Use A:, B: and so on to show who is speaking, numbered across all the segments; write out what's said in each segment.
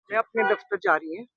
A: मैं अपने दफ्तर जा रही है।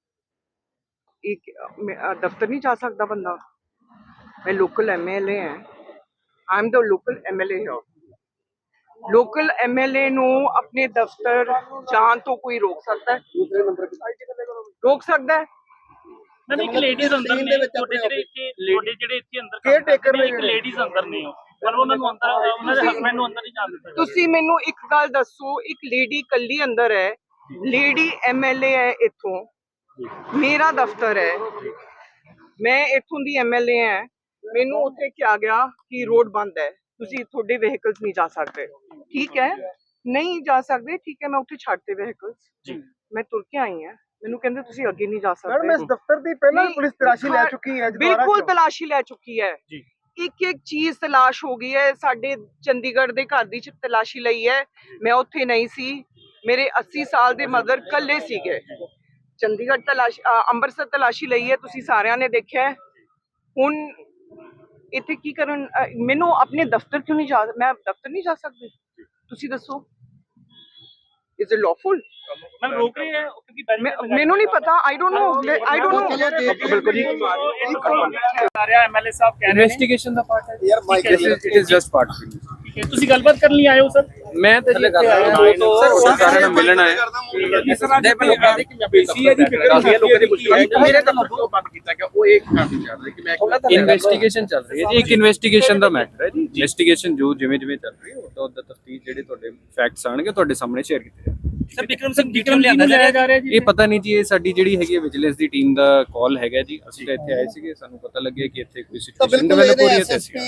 A: एक दफ्तर नहीं जा सकता बंदा। मैं लोकल एमएलए है। I am the local MLA here. Local MLA ਨੂੰ अपने दफ्तर जान तो कोई रोक सकता है? रोक सकता है?
B: नहीं एक लेडीज अंदर ने छोटे ਜਿਹੜੇ ਇੱਥੇ ਅੰਦਰ ਕੇਅਰ ਟੇਕਰ ਨੇ ਇੱਕ ਲੇਡੀਜ਼ ਅੰਦਰ ਨੇ ਪਰ ਉਹਨਾਂ ਨੂੰ ਅੰਦਰ ਉਹਨਾਂ ਦੇ ਹਸਬੰਡ ਨੂੰ ਅੰਦਰ ਨਹੀਂ ਜਾਣ ਦਿੱਤਾ।
A: ਤੁਸੀਂ ਮੈਨੂੰ ਇੱਕ ਗੱਲ ਦੱਸੋ, ਇੱਕ ਲੇਡੀ ਕੱਲੀ ਅੰਦਰ ਹੈ, ਲੇਡੀ ਐਮਐਲਏ ਹੈ ਇੱਥੋਂ, ਮੇਰਾ ਦਫ਼ਤਰ ਹੈ, ਮੈਂ ਇੱਥੋਂ ਦੀ ਐਮਐਲਏ ਹਾਂ, ਮੈਨੂੰ ਉੱਥੇ ਕਿਹਾ ਗਿਆ ਕਿ ਰੋਡ ਬੰਦ ਹੈ, ਤੁਸੀਂ ਤੁਹਾਡੇ ਵਹੀਕਲਸ ਨਹੀਂ ਜਾ ਸਕਦੇ। ਠੀਕ ਹੈ, ਨਹੀਂ ਜਾ ਸਕਦੇ, ਠੀਕ ਹੈ, ਮੈਂ ਉੱਥੇ ਛੱਡਤੇ ਵਹੀਕਲਸ, ਮੈਂ ਤੁਰ ਕੇ ਆਈ ਹਾਂ। ਮੈਨੂੰ ਕਹਿੰਦੇ ਤੁਸੀਂ ਅੱਗੇ ਨਹੀਂ ਜਾ ਸਕਦੇ।
C: ਮੈਡਮ ਇਸ ਦਫ਼ਤਰ ਦੀ ਪਹਿਲਾਂ ਪੁਲਿਸ ਤਲਾਸ਼ੀ ਲੈ ਚੁੱਕੀ ਹੈ।
A: ਬਿਲਕੁਲ ਤਲਾਸ਼ੀ ਲੈ ਚੁੱਕੀ ਹੈ ਜੀ। ਇੱਕ ਇੱਕ ਚੀਜ਼ ਤਲਾਸ਼ ਹੋ ਗਈ ਹੈ। ਸਾਡੇ ਚੰਡੀਗੜ੍ਹ ਦੇ ਘਰ ਦੀ ਤਲਾਸ਼ੀ ਲਈ ਹੈ, ਮੈਂ ਉੱਥੇ ਨਹੀਂ ਸੀ, ਮੇਰੇ 80 ਸਾਲ ਦੇ ਮਦਰ ਕੱਲੇ ਸੀਗੇ। ਚੰਡੀਗੜ੍ਹ ਤਲਾਸ਼ੀ, ਅੰਮ੍ਰਿਤਸਰ ਤਲਾਸ਼ੀ ਲਈ ਹੈ, ਤੁਸੀਂ ਸਾਰਿਆਂ ਨੇ ਦੇਖਿਆ। ਹੁਣ ਇੱਥੇ ਕੀ ਕਰਨ? ਮੈਨੂੰ ਆਪਣੇ ਦਫ਼ਤਰ ਕਿਉਂ ਨਹੀਂ ਜਾ, ਮੈਂ ਦਫ਼ਤਰ ਨਹੀਂ ਜਾ ਸਕਦੀ? ਤੁਸੀਂ ਦੱਸੋ, ਇਜ਼ ਇਟ ਲawful?
B: ਮੈਂ ਰੋਕ ਰਹੀ ਹੈ ਕਿਉਂਕਿ
A: ਮੈਨੂੰ ਨਹੀਂ ਪਤਾ। I don't know, I don't know.
B: ਬਿਲਕੁਲ ਜੀ ਸਾਰੇ ਐਮਐਲਏ ਸਾਹਿਬ ਕਹਿ ਰਹੇ ਨੇ
D: ਇਨਵੈਸਟੀਗੇਸ਼ਨ ਦਾ ਪਾਰਟ ਹੈ ਯਾਰ। Mike it is just part.
B: ਠੀਕ ਹੈ, ਤੁਸੀਂ ਗੱਲਬਾਤ ਕਰਨ ਲਈ ਆਏ ਹੋ ਸਰ?
D: ਮੈਂ ਤਾਂ ਜੀ ਆਇਆ ਸਰ ਸਾਰਿਆਂ ਨਾਲ ਮਿਲਣ ਆਇਆ।
E: ਦੇ ਲੋਕਾਂ ਦੀ ਪੰਜਾਬੀ ਦੀ ਫਿਕਰ ਹੁੰਦੀ ਹੈ, ਲੋਕਾਂ ਦੀ ਮੁਸ਼ਕਿਲ ਹੈ। ਮੇਰੇ ਤਾਂ ਮਤਲਬ ਬੰਦ ਕੀਤਾ ਗਿਆ ਉਹ ਇੱਕ ਕੰਮ ਚੱਲ ਰਿਹਾ ਕਿ ਮੈਂ
D: ਇਨਵੈਸਟੀਗੇਸ਼ਨ ਚੱਲ ਰਹੀ ਹੈ ਜੀ। ਇੱਕ ਇਨਵੈਸਟੀਗੇਸ਼ਨ ਦਾ ਮੈਟਰ ਹੈ ਜੀ। ਇਨਵੈਸਟੀਗੇਸ਼ਨ ਜੋ ਜਿਵੇਂ ਜਿਵੇਂ ਚੱਲ ਰਹੀ ਹੈ ਉਹਦਾ ਤਫਤੀਸ਼ ਜਿਹੜੇ ਤੁਹਾਡੇ ਫੈਕਟਸ ਆਣਗੇ ਤੁਹਾਡੇ ਸਾਹਮਣੇ ਸ਼ੇਅਰ ਕੀਤੇ ਜਾਣਗੇ।
B: ਸਰ ਵਿਕਰਮ ਸਿੰਘ ਵਿਕਰਮ ਲਿਆਂਦਾ ਜਾ ਰਿਹਾ ਜੀ?
D: ਇਹ ਪਤਾ ਨਹੀਂ ਜੀ, ਇਹ ਸਾਡੀ ਜਿਹੜੀ ਹੈਗੀ ਹੈ ਵਿਜੀਲੈਂਸ ਦੀ ਟੀਮ ਦਾ ਕਾਲ ਹੈਗਾ ਜੀ। ਅਸੀਂ ਤਾਂ ਇੱਥੇ ਆਏ ਸੀਗੇ, ਸਾਨੂੰ ਪਤਾ ਲੱਗਿਆ ਕਿ ਇੱਥੇ ਕੋਈ ਸਿਚੁਏਸ਼ਨ ਡਿਵੈਲਪ ਹੋ ਰਹੀ ਹੈ ਤੇ ਅਸੀਂ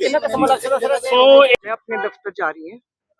A: मैं अपने दफ्तर जा रही है।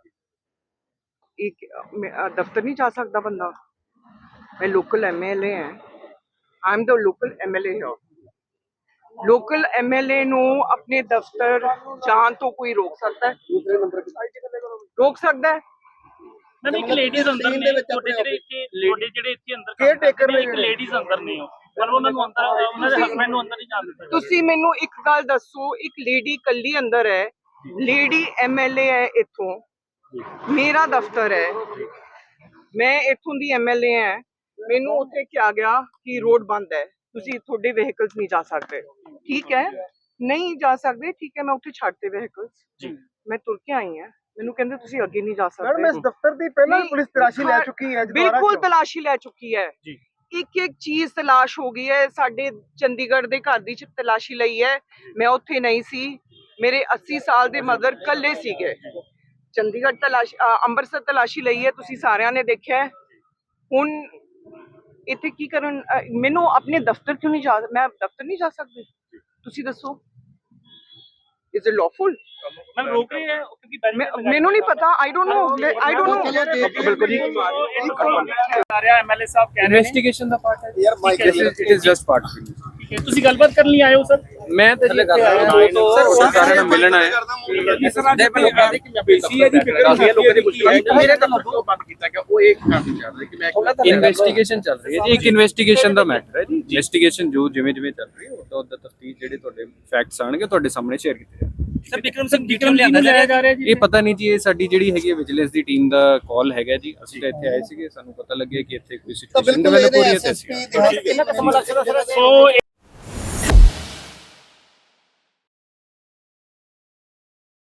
A: एक दफ्तर नहीं जा सकता बंदा। मैं लोकल एमएलए है। I am the local MLA here. Local MLA ਨੂੰ अपने दफ्तर जान तो कोई रोक सकता है? रोक सकता है?
B: ਨਹੀਂ ਇੱਕ ਲੇਡੀਜ਼ ਅੰਦਰ ਨੇ ਛੋਟੇ ਜਿਹੜੇ ਇੱਥੇ ਅੰਦਰ
C: ਕੇਅਰ ਟੇਕਰ ਨੇ
B: ਇੱਕ ਲੇਡੀਜ਼ ਅੰਦਰ ਨੇ ਪਰ ਉਹਨਾਂ ਨੂੰ ਅੰਦਰ ਉਹਨਾਂ ਦੇ ਹਸਬੰਡ ਨੂੰ ਅੰਦਰ ਨਹੀਂ ਜਾਣ ਦਿੱਤਾ।
A: ਤੁਸੀਂ ਮੈਨੂੰ ਇੱਕ ਗੱਲ ਦੱਸੋ, ਇੱਕ ਲੇਡੀ ਕੱਲੀ ਅੰਦਰ ਹੈ, ਲੇਡੀ ਐਮਐਲਏ ਹੈ ਇੱਥੋਂ, ਮੇਰਾ ਦਫ਼ਤਰ ਹੈ, ਮੈਂ ਇੱਥੋਂ ਦੀ ਐਮਐਲਏ ਹਾਂ, ਮੈਨੂੰ ਉੱਥੇ ਕਿਹਾ ਗਿਆ ਕਿ ਰੋਡ ਬੰਦ ਹੈ, ਤੁਸੀਂ ਤੁਹਾਡੇ ਵਹੀਕਲਸ ਨਹੀਂ ਜਾ ਸਕਦੇ। ਠੀਕ ਹੈ, ਨਹੀਂ ਜਾ ਸਕਦੇ, ਠੀਕ ਹੈ, ਮੈਂ ਉੱਥੇ ਛੱਡਤੇ ਵਹੀਕਲਸ, ਮੈਂ ਤੁਰ ਕੇ ਆਈ ਹਾਂ। ਮੈਨੂੰ ਕਹਿੰਦੇ ਤੁਸੀਂ ਅੱਗੇ ਨਹੀਂ ਜਾ
C: ਮੈਡਮ ਇਸ
A: ਸਕਦੇ।
C: ਦਫ਼ਤਰ ਦੀ ਪਹਿਲਾਂ ਪੁਲਿਸ ਤਲਾਸ਼ੀ ਲੈ ਚੁੱਕੀ ਹੈ।
A: ਬਿਲਕੁਲ ਤਲਾਸ਼ੀ ਲੈ ਚੁੱਕੀ ਹੈ। ਇੱਕ ਇੱਕ ਚੀਜ਼ ਤਲਾਸ਼ ਹੋ ਗਈ ਹੈ। ਸਾਡੇ ਚੰਡੀਗੜ੍ਹ ਦੇ ਘਰ ਦੀ ਤਲਾਸ਼ੀ ਲਈ ਹੈ, ਮੈਂ ਉੱਥੇ ਨਹੀਂ ਸੀ, ਮੇਰੇ 80 ਸਾਲ ਦੇ ਮਦਰ ਕੱਲੇ ਸੀਗੇ। ਚੰਡੀਗੜ੍ਹ ਤਲਾਸ਼ੀ, ਅੰਮ੍ਰਿਤਸਰ ਤਲਾਸ਼ੀ ਲਈ ਹੈ, ਤੁਸੀਂ ਸਾਰਿਆਂ ਨੇ ਦੇਖਿਆ। ਹੁਣ ਇੱਥੇ ਕੀ ਕਰਨ? ਮੈਨੂੰ ਆਪਣੇ ਦਫ਼ਤਰ ਕਿਉਂ ਨਹੀਂ ਜਾ, ਮੈਂ ਦਫ਼ਤਰ ਨਹੀਂ ਜਾ ਸਕਦੀ? ਤੁਸੀਂ ਦੱਸੋ, ਇਜ਼ ਇਟ lawful?
B: ਮੈਂ ਰੋਕ ਰਹੀ ਹੈ ਕਿਉਂਕਿ
A: ਮੈਨੂੰ ਨਹੀਂ ਪਤਾ। I don't know, I don't know.
B: ਬਿਲਕੁਲ ਜੀ ਸਾਰੇ ਐਮਐਲਏ ਸਾਹਿਬ ਕਹਿ ਰਹੇ ਨੇ
D: ਇਨਵੈਸਟੀਗੇਸ਼ਨ ਦਾ ਪਾਰਟ ਹੈ ਯਾਰ। Mike it is just part.
B: ਠੀਕ ਹੈ, ਤੁਸੀਂ ਗੱਲਬਾਤ ਕਰਨ ਲਈ ਆਏ ਹੋ ਸਰ?
D: ਮੈਂ ਤਾਂ ਜੀ ਆਇਆ ਸਰ ਸਾਰਿਆਂ ਨਾਲ ਮਿਲਣ ਆਇਆ।
E: ਦੇ ਲੋਕਾਂ ਦੀ ਪੰਜਾਬੀ ਦੀ ਫਿਕਰ ਹੁੰਦੀ ਹੈ, ਲੋਕਾਂ ਦੀ ਮੁਸ਼ਕਿਲ ਹੈ। ਮੇਰੇ ਤਾਂ ਮਤਲਬ ਬੰਦ ਕੀਤਾ ਗਿਆ ਉਹ ਇੱਕ ਕੰਮ ਚੱਲ ਰਿਹਾ ਕਿ ਮੈਂ
D: ਇਨਵੈਸਟੀਗੇਸ਼ਨ ਚੱਲ ਰਹੀ ਹੈ ਜੀ। ਇੱਕ ਇਨਵੈਸਟੀਗੇਸ਼ਨ ਦਾ ਮੈਟਰ ਹੈ ਜੀ। ਇਨਵੈਸਟੀਗੇਸ਼ਨ ਜੋ ਜਿਵੇਂ ਜਿਵੇਂ ਚੱਲ ਰਹੀ ਹੈ ਉਹਦਾ ਤਫਤੀਸ਼ ਜਿਹੜੇ ਤੁਹਾਡੇ ਫੈਕਟਸ ਆਣਗੇ ਤੁਹਾਡੇ ਸਾਹਮਣੇ ਸ਼ੇਅਰ ਕੀਤੇ ਜਾਣਗੇ।
B: ਸਰ ਵਿਕਰਮ ਸਿੰਘ ਵਿਕਰਮ ਲਿਆਂਦਾ ਜਾ ਰਿਹਾ ਜੀ?
D: ਇਹ ਪਤਾ ਨਹੀਂ ਜੀ, ਇਹ ਸਾਡੀ ਜਿਹੜੀ ਹੈਗੀ ਹੈ ਵਿਜੀਲੈਂਸ ਦੀ ਟੀਮ ਦਾ ਕਾਲ ਹੈਗਾ ਜੀ। ਅਸੀਂ ਤਾਂ ਇੱਥੇ ਆਏ ਸੀਗੇ, ਸਾਨੂੰ ਪਤਾ ਲੱਗਿਆ ਕਿ ਇੱਥੇ ਕੋਈ ਸਿਚੁਏਸ਼ਨ ਡਿਵੈਲਪ ਹੋ ਰਹੀ ਹੈ ਤੇ ਅਸੀਂ